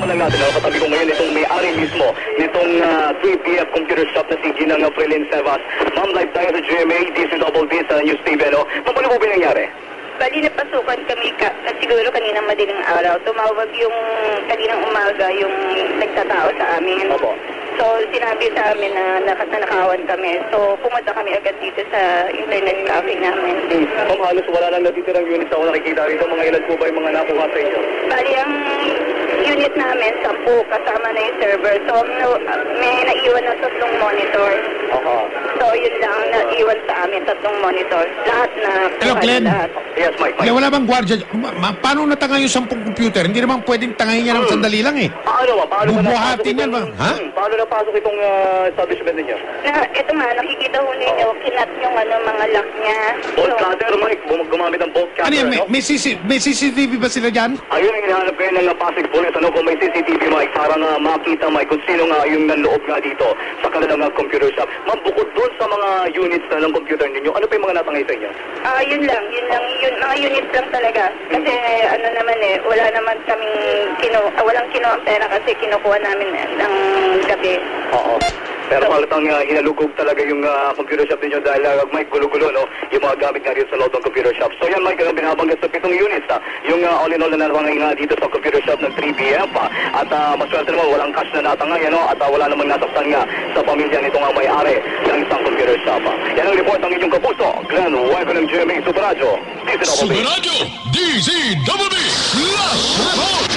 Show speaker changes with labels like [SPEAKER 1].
[SPEAKER 1] pag-uusapan lang natin, katabi ko ngayon itong may-ari mismo nitong 3PF computer shop na si Ginang Frilin Sevas. Ma'am, live tayo sa GMA, DCWD sa News TV, ano? Ma'am, ano po ba nangyari?
[SPEAKER 2] Bali, napasukan kami siguro kaninang madaling araw. Tumawag yung kaninang umaga yung nagtatao sa amin.
[SPEAKER 1] Opo.
[SPEAKER 2] So, sinabi sa amin na nakatnakawan kami. So, pumunta kami agad dito sa internet cafe namin.
[SPEAKER 1] Ma'am, halos wala lang natitirang units ako nakikita rito. Mga ilan po ba yung mga nakuha sa inyo?
[SPEAKER 2] Bali, ang unit namin, 10, kasama na yung server. So, may naiwan na 3 monitor. So, yun lang naiwan sa amin, 3 monitor. Lahat na...
[SPEAKER 3] Hello, Glenn.
[SPEAKER 2] Lahat.
[SPEAKER 1] Yes, Mike.
[SPEAKER 3] Wala bang gwardiya? Paano natangay yung 10 computer? Hindi naman pwedeng tangayin niya ng sandali lang eh.
[SPEAKER 1] Paano ba?
[SPEAKER 3] Bubuhatin yan ba? Ha?
[SPEAKER 1] Paano napasok itong establishment ninyo?
[SPEAKER 2] Ito nga, nakikita ho ninyo, kinat yung mga lock niya.
[SPEAKER 1] Bolt cutter, Mike. Gumamit ang bolt cutter,
[SPEAKER 3] Ano yan? May CCTV ba sila dyan?
[SPEAKER 1] Ayun ang hinahanap kayo ng Pasig Police. Ano kung may CCTV, Mike, para nga makita, Mike, kung sino nga yung nanloob nga dito sa kanilang computer shop. Ma'am, bukod doon sa mga units na ng computer ninyo, ano pa yung mga natangay sa inyo?
[SPEAKER 2] Yun lang, mga units lang talaga. Kasi ano naman wala naman kaming walang kinuha ang pera kasi kinukuha namin ng gabi.
[SPEAKER 1] Oo. Pero halatang hinalugog talaga yung computer shop ninyo dahil Mike, gulo-gulo, no? Yung mga gamit nga dito sa loob ng computer shop. So yan, Mike, binabanggit sa 7 units, yung all in all na narwangay nga dito sa computer shop ng 3PM, At maswerte naman, walang cash na natangay, ano? At wala namang nasaktan nga sa pamilya nito nga may-ari ng isang computer shop. Yan ang report ng inyong kapuso, Glenn Wife ng GMA Super Radio.
[SPEAKER 4] Super Radio, DCWB, Last Report!